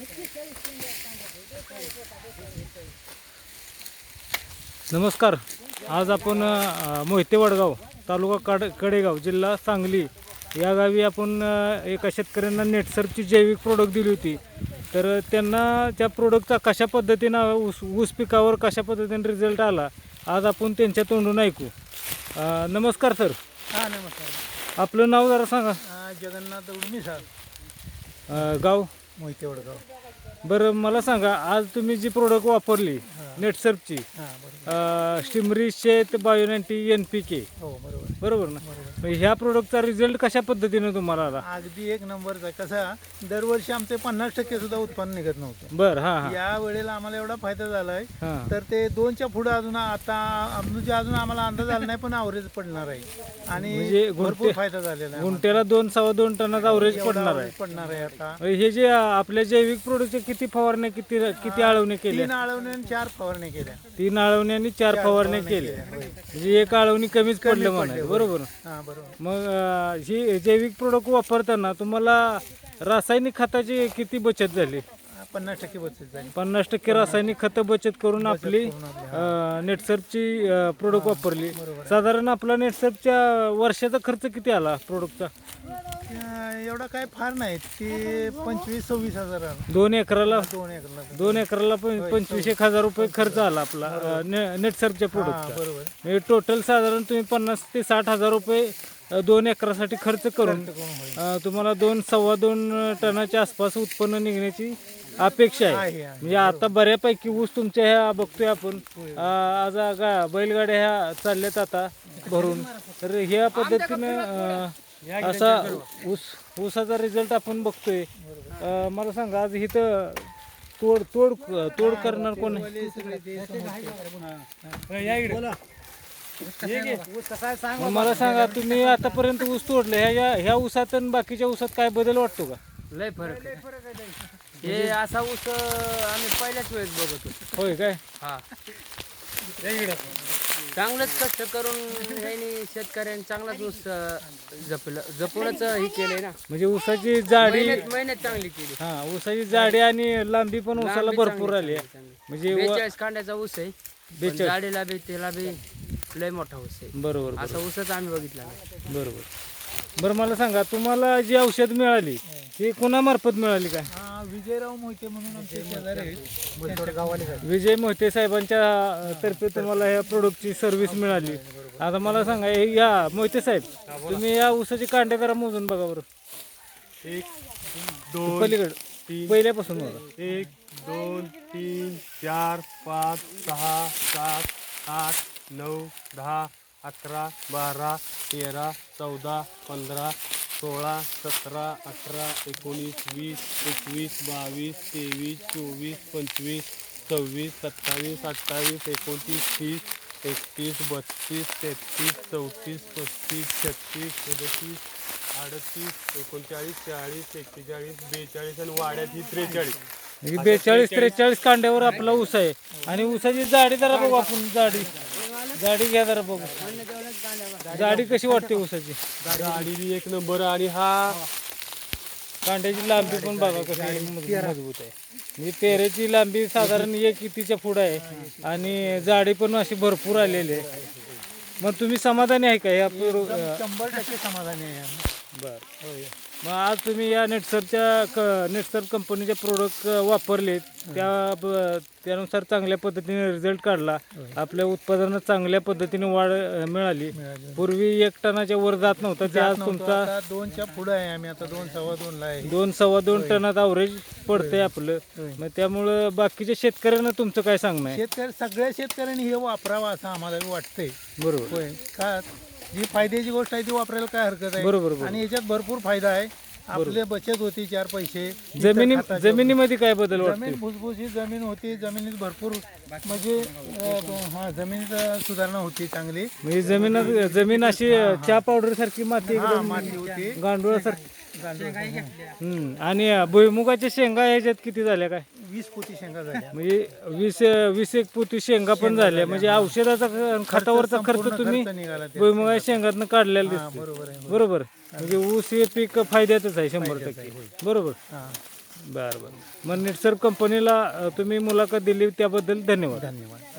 नमस्कार. आज आपण मोहिते वडगाव तालुका कडेगाव जिल्हा सांगली या गावी आपण एका शेतकऱ्यांना नेटसर्फची जैविक प्रोडक्ट दिली होती. तर त्यांना त्या प्रोडक्टचा कशा पद्धतीनं ऊस पिकावर कशा पद्धतीने रिझल्ट आला आज आपण त्यांच्या तोंडून ऐकू. नमस्कार सर. हां नमस्कार. आपलं नाव जरा सांगा. जगन्नाथ उर्मी सर, गाव मोहिते वडगाव. बरं मला सांगा, आज तुम्ही जी प्रोडक्ट वापरली नेटसर्फची हां बरोबर. स्टिमरी शेत बायोनॅटी NPK हो बरोबर बरोबर ना. बरोबर. मग ह्या प्रोडक्टचा रिझल्ट कशा पद्धतीने तुम्हाला आला? अगदी एक नंबरचा. कसा दरवर्षी आमचे 50% सुद्धा उत्पन्न निघत नव्हतं. बरं. हां हां या वेळेला आम्हाला एवढा फायदा झालाय हां. तर ते 2च्या पुढे अजून आता म्हणजे अजून आम्हाला अंदाज आला नाही, पण ॲव्हरेज पडणार आहे आणि म्हणजे भरपूर फायदा झालेला आहे. गुंट्याला 2-2.25 टनाचा अवरेज पडणार आहे. पडणार आहे आता. हे जे आपल्या जैविक प्रोडक्टचे किती फवारण्या किती आळवण्या केल्या? 3 आळवण्या आणि 4 फवारण्या केल्या. 3 आळवण्या आणि 4 फवारण्या केल्या. म्हणजे एक आळवणी कमीच पडलं म्हणाय. बरोबर. हां बरोबर. मग ही जैविक प्रोडक्ट वापरताना तुम्हाला रासायनिक खताची किती बचत झाली? 50% बचत झाली. 50% रासायनिक खतं बचत करून आपली नेटसर्फची प्रोडक्ट वापरली. साधारण आपला नेटसर्फच्या वर्षाचा खर्च किती आला प्रोडक्टचा? एवढा काय फार नाही, ते 25-26 हजार आला. 2 एकराला 2 एकरला 25,000 रुपये खर्च आला आपला नेटसर्फच्या प्रोडक्टचा. बरोबर. म्हणजे टोटल साधारण तुम्ही 50,000 ते 60,000 रुपये 2 एकरासाठी खर्च करून तुम्हाला 2-2.25 टनाच्या आसपास उत्पन्न निघण्याची अपेक्षा आहे. म्हणजे आता बऱ्यापैकी ऊस तुमच्या ह्या बघतोय आपण आज बैलगाड्या ह्या चालल्यात आता भरून. तर ह्या पद्धतीनं असा ऊसाचा रिझल्ट आपण बघतोय. मला सांगा, आज इथं तोड करणार कोण आहे? मला सांगा, तुम्ही आतापर्यंत ऊस तोडले, ह्या ऊसात आणि बाकीच्या ऊसात काय बदल वाटतो का? लय फरक आहे. हे असा ऊस आम्ही पहिल्याच वेळेस बघतो. होय काय? हा, चांगलंच कष्ट करून ह्यांनी शेतकऱ्यांनी चांगलाच ऊस जपूनच हे केलंय ना. म्हणजे ऊसाची जाडी मेहनत चांगली केली. हा, ऊसाची जाडी आणि लांबी पण ऊसाला भरपूर आली आहे. म्हणजे 42 कांड्याचा ऊस आहे. पण जाडीला बी त्याला बी लय मोठा ऊस आहे. बरोबर. असा ऊसच आम्ही बघितला नाही. बरोबर. बरं मला सांगा, तुम्हाला जी औषध मिळाली ती कोणामार्फत मिळाली काय? विजयराव मोहिते म्हणून आमचे शेजारी आहेत, गावाले. विजय मोहिते साहेबांच्या तर्फे तुम्हाला या प्रोडक्टची सर्व्हिस मिळाली. आता मला सांगा, या मोहिते साहेब, तुम्ही या ऊसाचे कांडे जरा मोजून बघा बरं. 1 2 पलीकडे पहिल्यापासून बघा. 1 2 3 4 5 6 7 8 9 10 11 12 13 14 15 16 17 18 19 20 21 22 23 24 25 26 27 28 29 30 31 32 33 34 35 36 37 38 39 40 41 42 आणि वाड्यात ही 43. 42-43 कांड्यावर आपला ऊस आहे. आणि ऊसाची जाडी जरा बघू आपण. जाडी घ्या जरा बघू. जाडी कशी वाटते ऊसाची? गाडी एक नंबर. आणि हा कांड्याची लांबी पण बघा कशी मजबूत आहे. म्हणजे पेरेची लांबी साधारण 1 इंचीच्या पुढे आहे आणि जाडी पण अशी भरपूर आलेली आहे. मग तुम्ही समाधानी आहे का या? 100% समाधानी आहे. बरं. मग आज तुम्ही या नेटसर्फ कंपनीचे प्रोडक्ट वापरले, त्यानुसार चांगल्या पद्धतीने रिझल्ट काढला. आपल्या उत्पादनात चांगल्या पद्धतीने वाढ मिळाली. पूर्वी 1 टनाच्या वर जात नव्हता, ते आज तुमचा 2च्या पुढे आहे. आम्ही आता 2-2.25 आहे. 2-2.25 टनात अवरेज पडतंय आपलं. मग त्यामुळं बाकीच्या शेतकऱ्यांना तुमचं काय सांगणं आहे? सगळ्या शेतकऱ्यांनी हे वापरावं असं आम्हाला वाटतंय. बरोबर. होय, का जी फायद्याची गोष्ट आहे ती वापरायला काय हरकत आहे. बरोबर. आणि याच्यात भरपूर फायदा आहे. आपले बचत होती 4 पैसे. जमिनीमध्ये काय बदल वाटतो? जमीन भुसभुशीत जमीन होती. जमिनीत भरपूर म्हणजे जमिनीत सुधारणा होती चांगली. म्हणजे जमीन अशी चहा पावडर सारखी माती माती होती, गांडुळासारखी. आणि भुईमुगाच्या शेंगा ह्याच्यात किती झाल्या काय? 20 पोती शेंगा झाल्या. म्हणजे 20 पोती शेंगा पण झाल्या. म्हणजे औषधाचा खतावरचा खर्च तुम्ही भुईमुगाच्या शेंगातनं काढलेला दिसतो. बरोबर. म्हणजे ऊस हे पीक फायद्यातच आहे 100%. बरोबर. बरं बरं. मग निटसर कंपनीला तुम्ही मुलाखत दिली त्याबद्दल धन्यवाद. धन्यवाद.